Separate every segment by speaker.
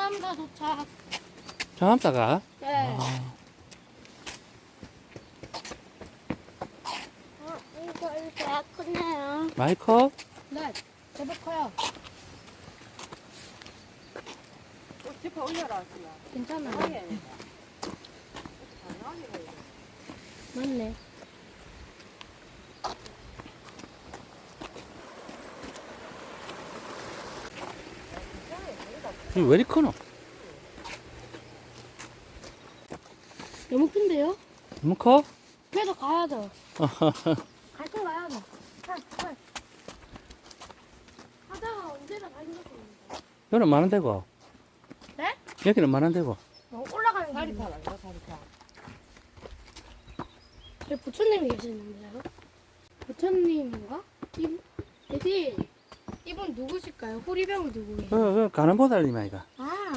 Speaker 1: 청암사 도착.
Speaker 2: 청암사가?
Speaker 1: 네.
Speaker 2: 아,
Speaker 3: 이거 배 크네요.
Speaker 2: 많이 커?
Speaker 1: 네. 제법 커요.
Speaker 4: 짚어 올려라, 지금.
Speaker 1: 괜찮아요.
Speaker 4: 강하게.
Speaker 1: 맞네.
Speaker 2: 이거 왜 이리 크노?
Speaker 1: 너무 큰데요?
Speaker 2: 너무 커?
Speaker 1: 그래도 가야죠. 같이 가야죠. 하다가 언제나 가는 것도 있는데.
Speaker 2: 여기는 많은 데고.
Speaker 1: 네?
Speaker 2: 여기는 많은 데고.
Speaker 1: 올라가는
Speaker 4: 다리
Speaker 1: 길이.
Speaker 4: 타라, 이거 다리 타.
Speaker 1: 여기 부처님이 계시는데요? 부처님인가? 이분 누구실까요? 호리병을 두고 계세요.
Speaker 2: 가는 보살님 아이가.
Speaker 1: 아.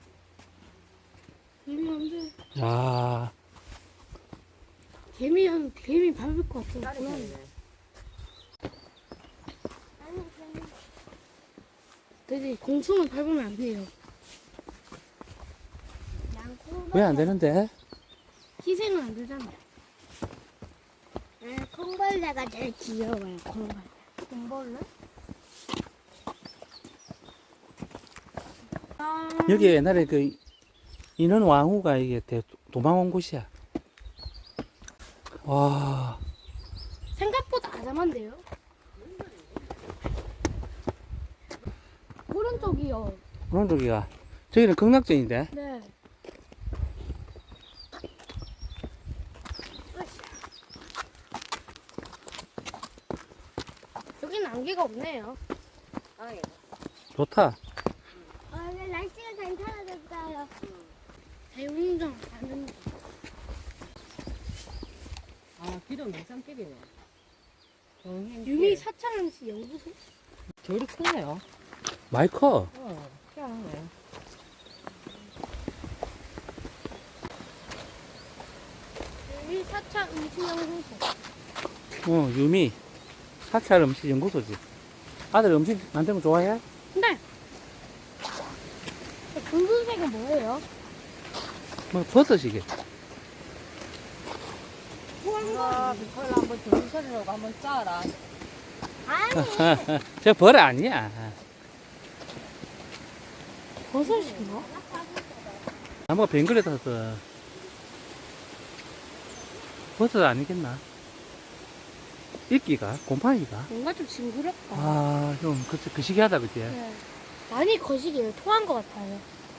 Speaker 1: 개미
Speaker 2: 야,
Speaker 1: 개미 밟을 것
Speaker 4: 다리
Speaker 1: 같아.
Speaker 4: 타네.
Speaker 1: 돼지 공충은 밟으면 안 돼요.
Speaker 2: 왜 안 되는데?
Speaker 1: 희생은 안 되잖아.
Speaker 3: 콩벌레가 제일 귀여워요. 콩벌레.
Speaker 1: 공벌레?
Speaker 2: 여기 옛날에 그 인원 왕후가 이게 도망 온 곳이야. 와,
Speaker 1: 생각보다 아담한데요? 오른쪽이요.
Speaker 2: 그런 저기가. 저기는 극락전인데.
Speaker 1: 네. 여기는 안개가 없네요.
Speaker 4: 아예.
Speaker 2: 좋다.
Speaker 3: 오늘 날씨가 괜찮아졌어요.
Speaker 1: 대웅정 가는 길.
Speaker 4: 아, 길은 명산길이네.
Speaker 1: 유미 사창시 연구소?
Speaker 4: 저리 크네요.
Speaker 2: 많이 커.
Speaker 4: 희한하네.
Speaker 1: 유미 사창 음식연구소.
Speaker 2: 유미. 사찰 음식 연구소지. 아들 음식 만드는 거 좋아해?
Speaker 1: 근데 붉은색은 뭐예요?
Speaker 2: 뭐, 버섯이게.
Speaker 4: 아, 빅컬 한번 정선으로 한번 짜라.
Speaker 3: 아니,
Speaker 2: 저 벌 아니야.
Speaker 1: 버섯인가?
Speaker 2: 나무가 뱅글에 탔어. 버섯 아니겠나? 이끼가? 곰팡이가?
Speaker 1: 뭔가 좀 징그럽다.
Speaker 2: 아, 좀, 그 시기하다, 그치?
Speaker 1: 네. 많이 거시기예요. 토한 것 같아요.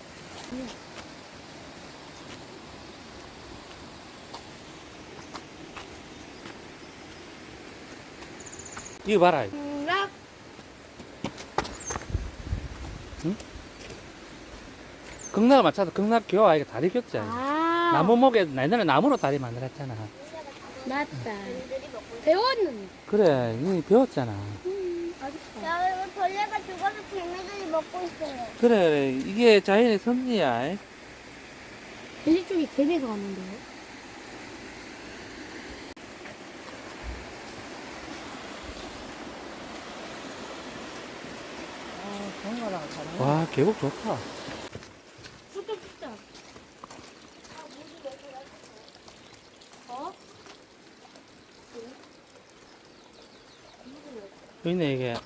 Speaker 2: 이거 봐라.
Speaker 1: 락.
Speaker 2: 극락을 맞춰서 극락 교화 아이가 다리 꼈잖아.
Speaker 1: 아.
Speaker 2: 나무 목에, 옛날에 나무로 다리 만들었잖아.
Speaker 1: 맞다. 배웠는데.
Speaker 2: 그래, 이 배웠잖아.
Speaker 1: 아쉽다.
Speaker 3: 여러분 벌레가 죽어서 개미들이 먹고 있어요.
Speaker 2: 그래, 이게 자연의 섭리야.
Speaker 1: 돼지 쪽에 개미가 왔는데요.
Speaker 4: 정거랑 다른
Speaker 2: 와, 계곡 좋다.
Speaker 1: 소좀 찍자. 어?
Speaker 2: 여기 있네, 이게.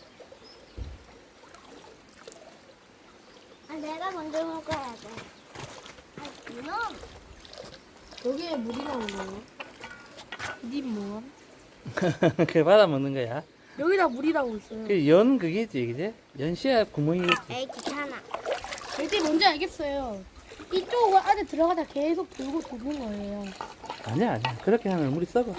Speaker 3: 아, 내가 먼저 먹어야 돼. 아, 이놈.
Speaker 1: 여기에 물이 나오는 거예요? 니 뭐?
Speaker 2: 그 받아 먹는 거야.
Speaker 1: 여기다 물이 나오고 있어요.
Speaker 2: 그 연 그게지, 그지? 연씨야 구멍이겠지.
Speaker 3: 에이, 귀찮아.
Speaker 1: 절대 뭔지 알겠어요. 이쪽 안에 들어가다 계속 돌고 도는 거예요.
Speaker 2: 아니야, 아니야. 그렇게 하면 물이 썩어.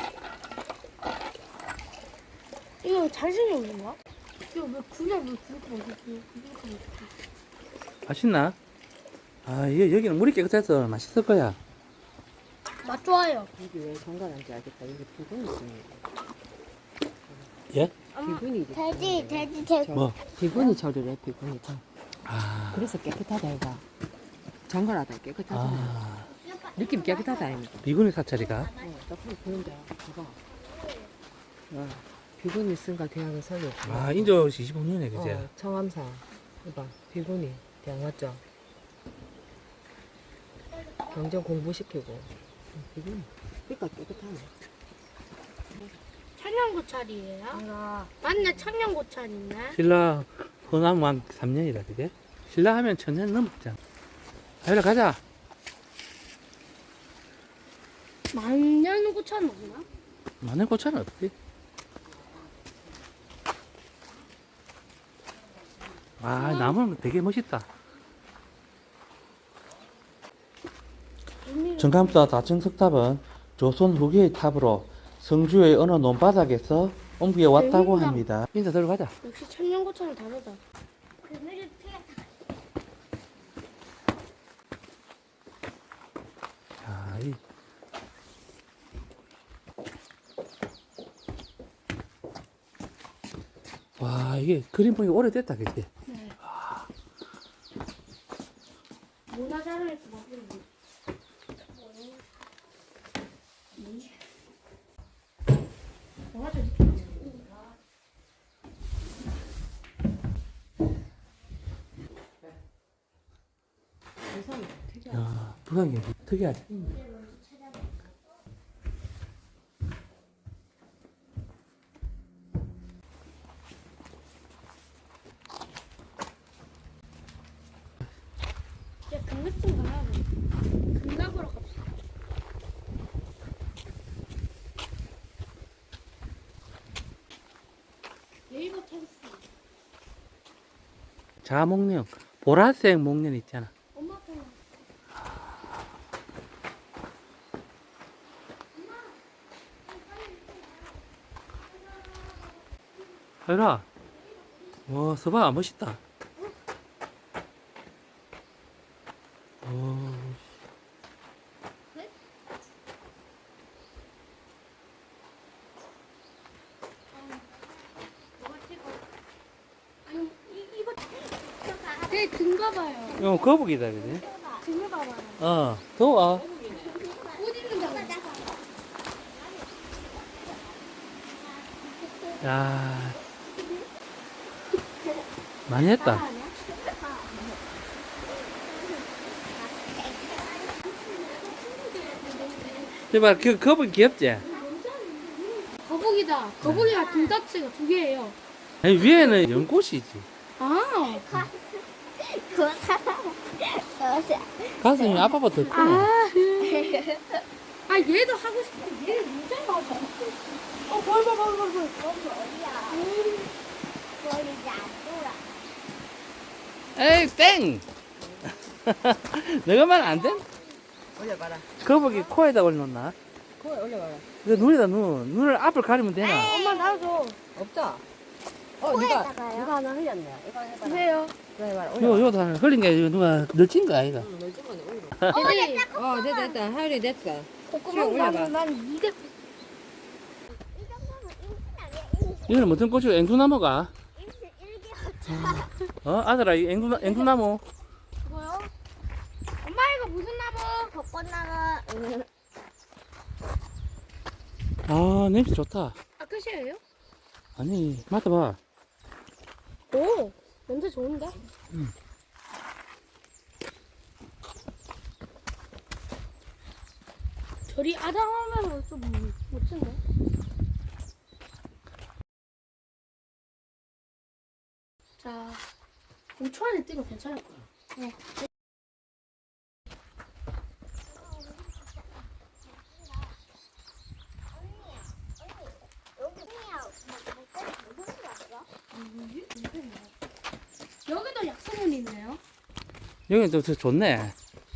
Speaker 1: 이거 자신이 없는 거야? 이거 왜 그냥 왜 그렇게 맛있지? 그렇게 맛있지?
Speaker 2: 맛있나? 아, 여기는 물이 깨끗해서 맛있을 거야.
Speaker 1: 맛 좋아요.
Speaker 4: 여기 왜 정갈한지 알겠다. 여기 비군이 있습니다.
Speaker 2: 예?
Speaker 4: 비군이
Speaker 3: 돼지.
Speaker 2: 뭐?
Speaker 4: 비군이 처리를 해, 비군이 참.
Speaker 2: 아,
Speaker 4: 그래서 깨끗하다, 이가. 정갈하다, 깨끗하다.
Speaker 2: 아,
Speaker 4: 느낌 깨끗하다, 아닙니까?
Speaker 2: 비구니 사찰이가?
Speaker 4: 딱 보는데, 봐봐. 와, 비군이 쓴가 대학을 설립.
Speaker 2: 아, 인조 25년에, 그지?
Speaker 4: 청암사. 이봐, 비군이 대학 맞죠? 경전 공부시키고. 비금. 그러니까 깨끗하네.
Speaker 1: 청양고찰이에요? 맞네, 청양고찰 있네.
Speaker 2: 신라 호남왕 3년이라 그게? 신라 하면 1000년 넘었잖아. 하율아 가자.
Speaker 1: 만년고찰 맞나?
Speaker 2: 마늘 고차는 없지. 아, 나무는 되게 멋있다. 정감사 다층석탑은 조선 후기의 탑으로 성주의 어느 논바닥에서 옮겨왔다고
Speaker 1: 재밌다.
Speaker 2: 합니다. 인사 들어가자.
Speaker 1: 역시 청양고찰은 다르다.
Speaker 3: 그늘을 피해.
Speaker 2: 자, 이 와, 이게 그림 보기 오래됐다, 그치?
Speaker 1: 네. 문화자료에서 먹는 거. 뭐가 저렇게
Speaker 4: 세상에 특이하다.
Speaker 2: 야, 부산이 특이하지?
Speaker 1: 이제 금맥 좀 가야 돼. 금갑으로 갑시다. 네이버 캔스.
Speaker 2: 자목련, 보라색 목련 있잖아.
Speaker 1: 엄마 거.
Speaker 2: 하율아, 와, 서봐, 멋있다. 오,
Speaker 1: 뭐가 찍어? 아니 이거 내 등 봐봐요.
Speaker 2: 이거 거북이다, 그지?
Speaker 1: 등을 봐봐요.
Speaker 2: 어, 더워.
Speaker 1: 옷 입는 거.
Speaker 2: 야, 많이 했다. 이봐, 그 거북이 귀엽지?
Speaker 1: 거북이다. 거북이가 등딱지가 2개예요.
Speaker 2: 아니, 위에는 연꽃이지.
Speaker 1: 아,
Speaker 2: 가슴이 아빠보다 더 크네.
Speaker 1: 아 얘도 하고 싶은데 얘는 문제가 봐. 벌.
Speaker 3: 머리가 안 돌아.
Speaker 2: 에이, 땡! 너가 말 안 돼?
Speaker 4: 올려봐라.
Speaker 2: 거북이 코에다 올려놓나?
Speaker 4: 거기 올려봐라.
Speaker 2: 그 눈이다, 눈. 눈을 앞을 가리면 되나?
Speaker 1: 엄마 나도
Speaker 4: 없다.
Speaker 3: 코에다가요?
Speaker 4: 누가 하나 흘렸네. 이거 해봐라.
Speaker 1: 주세요.
Speaker 4: 이거 해봐라.
Speaker 2: 요 다 흘린 게 이거 누가 널친 거야, 이거.
Speaker 4: 응, 널찍은 올려.
Speaker 1: 얘들이
Speaker 4: 됐다. 하율이 됐어.
Speaker 1: 콧구멍
Speaker 4: 올려봐.
Speaker 1: 나면 난 이게
Speaker 3: 이 정도면 임신 아니야? 임신.
Speaker 2: 이거는 무슨 꽃이고, 앵두나무가?
Speaker 3: 임신 1개월.
Speaker 2: 아들아, 이 앵두나무.
Speaker 1: 뭐요? 엄마 이거 무슨 나무?
Speaker 3: 벚꽃나무.
Speaker 2: 아, 냄새 좋다.
Speaker 1: 아 끝이에요?
Speaker 2: 아니, 맡아봐.
Speaker 1: 오 냄새 좋은데? 저리 아담하면 좀 멋진데? 자 5초 안에 뛰면 괜찮을 거야. 네. 여기도 약수문이 있네요.
Speaker 2: 여기 또 좋네.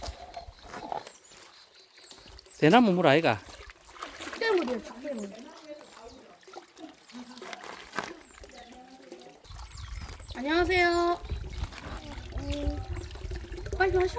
Speaker 2: 대나무 물 아이가?
Speaker 1: 죽대물이에요, 죽대물. 안녕하세요. 빨리 마셔.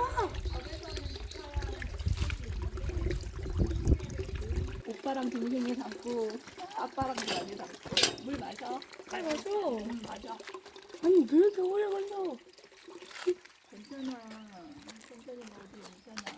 Speaker 5: 오빠랑 동생이 담고 아빠랑 많이 담고 물 마셔.
Speaker 1: 빨리 마셔.
Speaker 5: 마셔.
Speaker 1: 아니 왜 이렇게 오래 걸려?
Speaker 5: 괜찮아. 천천히 먹어도 괜찮아.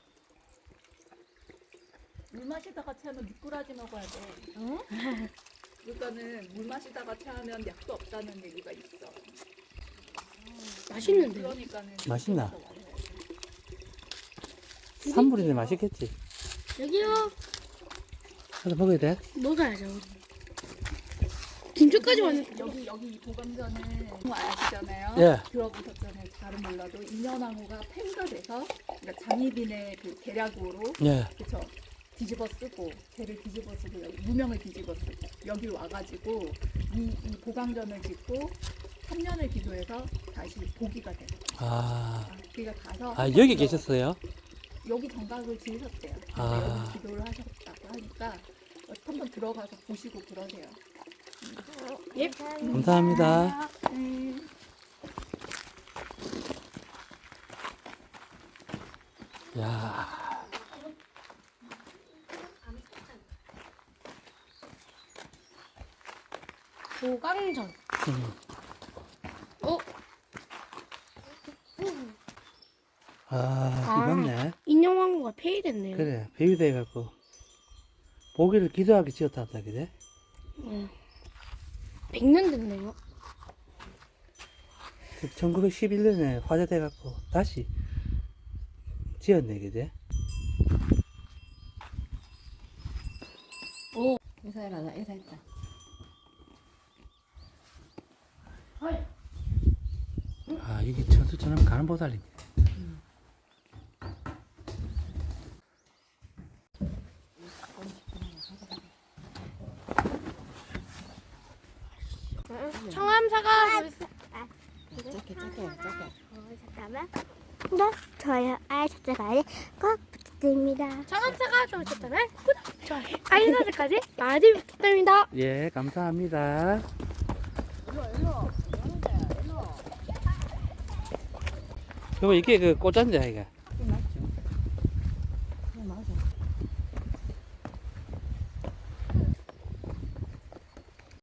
Speaker 5: 물 마시다가 체하면 미꾸라지 먹어야 돼.
Speaker 1: 어?
Speaker 5: 그러니까는 물 마시다가 체하면 약도 없다는 얘기가 있어.
Speaker 1: 맛있는데요?
Speaker 5: 그러니까는
Speaker 2: 맛있나?
Speaker 5: 그래서 먹어야 돼.
Speaker 2: 산물인데 맛있겠지.
Speaker 1: 여기요.
Speaker 2: 하나 먹어야 돼?
Speaker 1: 먹어야죠. 김치까지 왔는데.
Speaker 5: 여기 이 보감전은 뭐 아시잖아요.
Speaker 2: 예.
Speaker 5: 들어보셨잖아요. 잘은 몰라도 인연나무가 폐가 돼서 그러니까 장희빈의 그 계략으로
Speaker 2: 예.
Speaker 5: 그쵸 뒤집어 쓰고 걔를 뒤집어 쓰고 여기 무명을 뒤집어 쓰고 여기 와가지고 이 보강전을 짓고 3년을 기도해서 다시 보기가 돼요.
Speaker 2: 아,
Speaker 5: 그러니까 가서
Speaker 2: 아 여기 계셨어요?
Speaker 5: 여기 정각을 지으셨대요. 근데
Speaker 2: 아.
Speaker 5: 여기 기도를 하셨다고 하니까 한번 들어가서 보시고 그러세요.
Speaker 1: 예.
Speaker 2: 감사합니다. 야,
Speaker 1: 보강전. 어?
Speaker 2: 아, 이겼네.
Speaker 1: 인형왕후가 폐위됐네요.
Speaker 2: 그래, 배유돼갖고 보기를 기도하게 지었다 그래?
Speaker 1: 100년 됐네요.
Speaker 2: 1911년에 화재돼갖고 다시 지었네, 그제?
Speaker 4: 인사해라, 나 인사했다.
Speaker 2: 아, 이게 천수처럼 가는 보살입니다.
Speaker 1: 청암사가
Speaker 4: 작게.
Speaker 3: 잠깐만. 구독, 좋아요, 알림 설정까지 꼭 부탁드립니다.
Speaker 1: 청암사가 좋으셨다면 구독, 좋아요, 알림 설정까지 많이 부탁드립니다.
Speaker 2: 예, 감사합니다. 여보, 이게 그 꽃잔디야, 이게.